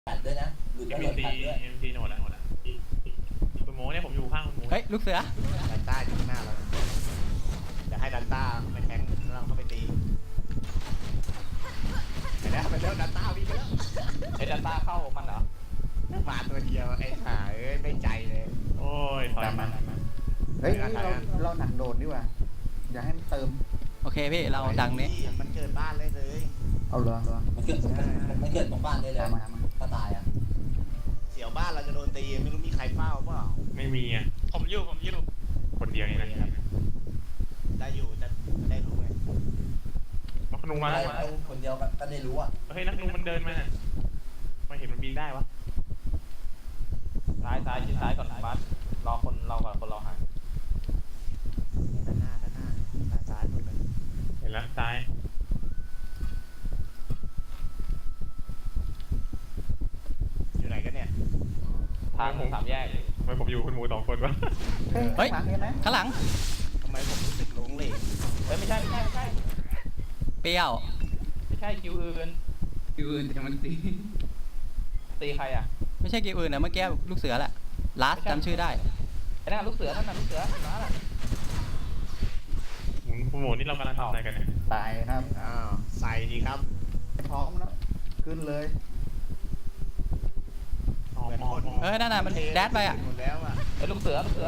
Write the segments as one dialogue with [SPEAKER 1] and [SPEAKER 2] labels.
[SPEAKER 1] ตัดด้วยนะหลุดแล้วโดนตัดด้วย
[SPEAKER 2] MT หมดแล้วคุณโมเนี่ยผมอยู่ข้างคุณโม
[SPEAKER 3] เฮ้ยลูกเสือ
[SPEAKER 4] ดันต้าอยู่ข้างหน้าเราเดี๋ยวให้ดันต้าไปแทงแล้วเราเข้าไปตีไปแล้วดันต้าวิ่งไปแล้ว
[SPEAKER 5] ไอ้ดันต้าเข้ามันเหรอ
[SPEAKER 4] มาตัวเดียวไอ้ขาเอ้ยไม่ใจเลย
[SPEAKER 2] โอ้ยถอยมา
[SPEAKER 6] เฮ้ยเราหนักโดดดีกว่าอย่าให้มันเติม
[SPEAKER 3] โอเคพี่เราดังนี้
[SPEAKER 4] มันเกิดบ้านเลยเลย
[SPEAKER 6] เอาเหรอ
[SPEAKER 1] มันเกิดตรงบ้านได้เลยก็ตายอ่ะ
[SPEAKER 4] เสียวบ้านเราจะโดนตีไม่รู้มีใครเฝ้าเปล่า
[SPEAKER 2] ไม่มีอ่ะ
[SPEAKER 5] ผมอยู่
[SPEAKER 2] คนเดียวนี่นะ
[SPEAKER 4] ได้อยู่จะได้รู้ไง
[SPEAKER 2] นักนุ่งมา
[SPEAKER 1] คนเดียวก็ได้รู้อ่ะ
[SPEAKER 2] เฮ้ยนักนุ่งมันเดินมาไม่เห็นมันบินได้วะ
[SPEAKER 5] ซ้ายชิดซ้ายก่อนบัสรอคนเราก่อนคนเราหาย
[SPEAKER 4] ด้านหน้าซ้ายคนนึง
[SPEAKER 2] เห็นแล้วซ้าย
[SPEAKER 4] อยู่ไหนกันเนี่ย
[SPEAKER 5] ทางสามแยก
[SPEAKER 2] ทำไมผมอยู่คุณหมู2 คนวะ
[SPEAKER 3] เฮ้ย
[SPEAKER 6] ข้างหลังเห็นไหม
[SPEAKER 3] ข้างหลัง
[SPEAKER 4] ทำไมผมรู้สึกหลงเหลง
[SPEAKER 5] เฮ้ยไม่ใช่
[SPEAKER 3] เปรี้ยว
[SPEAKER 5] ไม่ใช่คิวอื่น
[SPEAKER 7] คิวอื่นแต่มันตี
[SPEAKER 5] ตีใครอ่ะ
[SPEAKER 3] ไม่ใช่เกมอื่นนะเมื่อกี้ลูกเสือแหละลาสจำชื่อได้
[SPEAKER 5] ไอ้นั่นลูกเสือนั่นน่ะลูกเสือนั่นน่ะ
[SPEAKER 2] คุณหมูนี่เรากำลังทำอะไรกันเนี่ย
[SPEAKER 6] ตายครับ
[SPEAKER 4] อ้าวใส่ดีครับ
[SPEAKER 6] พร้อมแล้วขึ้นเลย
[SPEAKER 3] เออนั่นน่ะมันแดดไปอ่ะ
[SPEAKER 4] หมดแล้วอ่ะ
[SPEAKER 5] ไอ้ลูกเสือไม่ใช่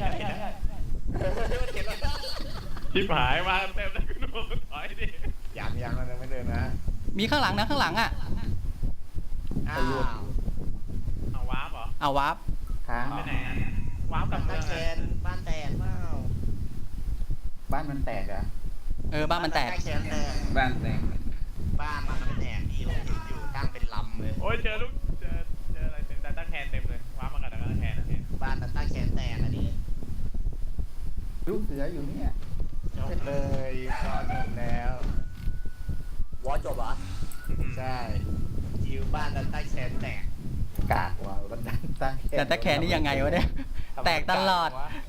[SPEAKER 2] ชิบหายมาเต็มเลยคุณหมูถอยดิ
[SPEAKER 4] ยังมันยังไม่เดินนะ
[SPEAKER 3] มีข้างหลังนะข้างหลังอ่ะ
[SPEAKER 4] อ้าว
[SPEAKER 2] เอาวาร์ปเหรอ
[SPEAKER 3] เอาวาร์ป
[SPEAKER 6] ค้าง
[SPEAKER 2] ไปไหนอ่ะวาร์ปกลับเมื
[SPEAKER 4] บ้า
[SPEAKER 2] อน ง
[SPEAKER 4] แก
[SPEAKER 2] อ่ะ
[SPEAKER 4] นบ้านแตกเปล่า
[SPEAKER 6] บ้านมันแตกอ่ะ
[SPEAKER 3] เออบ้านมันแตก
[SPEAKER 4] บ้านแกนแตก
[SPEAKER 7] บ้านแตก
[SPEAKER 4] บ้านมันแตกที่ผมเห็นอยู่ตั้งเป็นลำเลย
[SPEAKER 2] โอ้ยเจออะไรเต็มดัตต้าแคนเต็มเลยวาร์ปมากับดัตต้าแคนเนี่ย
[SPEAKER 4] บ้านดันต้าแกนแตกอันนี้
[SPEAKER 6] ลูกเสืออยู่เนี่ย
[SPEAKER 4] จบเลยพอจบแล้ว
[SPEAKER 1] วอจบเหรอ
[SPEAKER 4] ใช่ยิวบ้านดันต้าแกนแตก
[SPEAKER 6] กากว่ะก็ดันตั้ง
[SPEAKER 3] แต่ตะแคร์นี่ยังไงวะเนี่ย แตกตลอด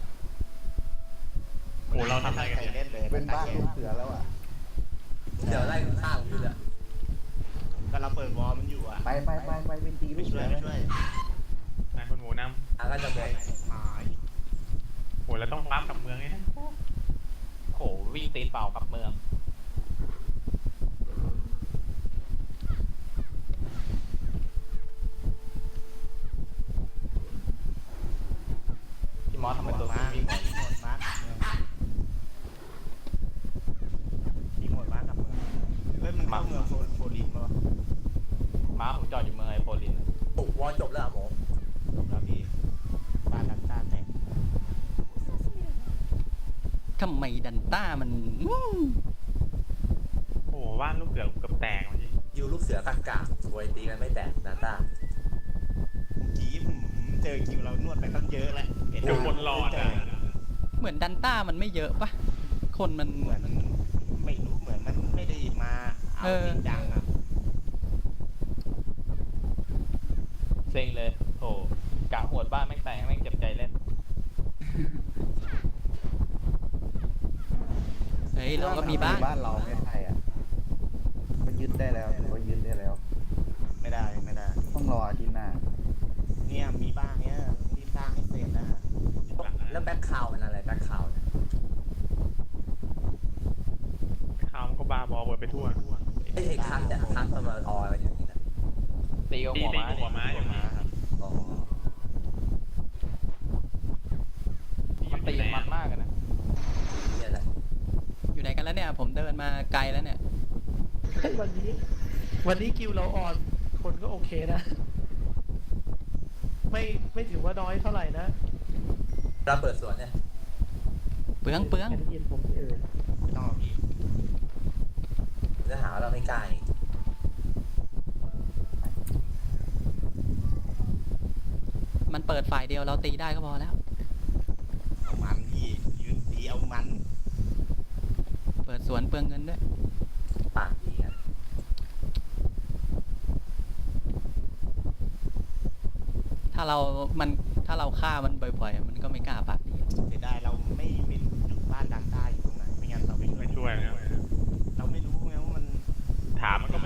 [SPEAKER 2] โอ้เราทำอะไรกัน
[SPEAKER 4] ใคร
[SPEAKER 2] เนี่ย
[SPEAKER 4] เล่นเลย
[SPEAKER 6] เป็นบ้าน
[SPEAKER 4] ดั
[SPEAKER 6] ลู
[SPEAKER 4] ต
[SPEAKER 6] กเสือแล้วอ่ะ
[SPEAKER 1] เดี๋ยวไล่ข้างพี่เลย
[SPEAKER 4] ก็เราเปิดวอลมันอยู่อ่ะ
[SPEAKER 6] ไปเป็นตีลู
[SPEAKER 4] ไม่
[SPEAKER 6] ก
[SPEAKER 4] ช่
[SPEAKER 6] เสื
[SPEAKER 4] วย
[SPEAKER 6] อ
[SPEAKER 4] ไม่ช่วย
[SPEAKER 2] นายคุณหมูน
[SPEAKER 1] ก็จะหมด
[SPEAKER 4] หาย
[SPEAKER 2] ำโอ้แล้วต้องวาร์ปกลับเมืองไง
[SPEAKER 5] โหวิ่งตีนเปล่ากับเมืองพี่มอสทำไมตัว
[SPEAKER 4] มา
[SPEAKER 5] วิ่ง
[SPEAKER 4] หมดมาที่หมดมากับเมืองเฮ้ยมันเข้าเมืองโฟลินป่ะ
[SPEAKER 5] ม้าผมจอดอยู่เมืองไอโพลิน
[SPEAKER 1] ปุ๊บวอจบแล้วหมอ
[SPEAKER 4] จบแล้วพี่บ้านดันต้าแตก
[SPEAKER 3] ทำไมดันต้ามัน
[SPEAKER 2] โอ้บ้านลูกเสือกับแตกเมื่อกี้
[SPEAKER 1] ยูลูกเสือกากสวยตีกันไม่แตกนาตา
[SPEAKER 4] เมื่อกี้ผมเจอคิวเรานวดไปตั้งเยอะแล้ว
[SPEAKER 2] อยู่บนหลอดอ่ะ
[SPEAKER 3] เหมือนดันต้ามันไม่เยอะปะคนมัน
[SPEAKER 4] เหมือนไม่รู้เหมือนมันไม่ได้มาเอาจริงจังอ่ะ
[SPEAKER 5] เซ็งเลยโอ้กะหวดบ้านแม่งแตกแม่งเจ็บใจเล่น
[SPEAKER 3] เฮ้ยเราก็มีบ้าน
[SPEAKER 6] บ้านเราไม่ใช่อ่ะก็ยึดได้แล้วถือว่ายึดได้แล้ว
[SPEAKER 4] ไม่ได้
[SPEAKER 6] ต้องรออาทิตย์หน้า
[SPEAKER 4] เนี่ยมีบ้านเนี้ยรีบสร้างให้เสร็จนะ
[SPEAKER 1] แล้วแบ็คคาวเป็นอะไรแบ็คคาวเนี่ย
[SPEAKER 2] ข่าวมันก็บาบอเปิดไปทั่ว
[SPEAKER 1] ไอ้คัสเนี่ยคัสมันมาออยกันอย่างนี้นะ
[SPEAKER 5] ตีกับหัวม้า
[SPEAKER 2] ตีกับหัวม้าอย่างนี้
[SPEAKER 4] ครับ
[SPEAKER 1] อ๋อ
[SPEAKER 5] มันตีมันมากกันนะ
[SPEAKER 1] นี่แหละ
[SPEAKER 3] อยู่ไหนกันแล้วเนี่ย ผมเดินมาไกลแล้วเนี่ย
[SPEAKER 8] วันนี้คิวเราอ่อนคนก็โอเคนะ ไม่ถือว่าน้อยเท่าไหร่นะ
[SPEAKER 1] เราเปิดสวนเนี่ย
[SPEAKER 3] เปลือง
[SPEAKER 8] ได้ยินผมที่อื่น
[SPEAKER 4] ไม่ต้องเอาพี่
[SPEAKER 1] จะหาว่าเราไม่กล้าอีก
[SPEAKER 3] มันเปิดฝ่ายเดียวเราตีได้ก็พอแล้ว
[SPEAKER 4] เอามันพี่ยืนตีเอามัน
[SPEAKER 3] เปิดสวนเปลืองเงินด้วย
[SPEAKER 1] ปากดีกัน
[SPEAKER 3] ถ้าเราฆ่ามันบ่อยๆ มันก็ไม่กล้าปากดี
[SPEAKER 4] เสียดายเราไม่รู้จุดบ้านดันต้าอยู่ตรงไหนไม่งั้นเราไปช่วย
[SPEAKER 2] ไม่ช่วยนะ
[SPEAKER 4] เราไม่รู้ไงว่ามัน
[SPEAKER 2] ถามมันก็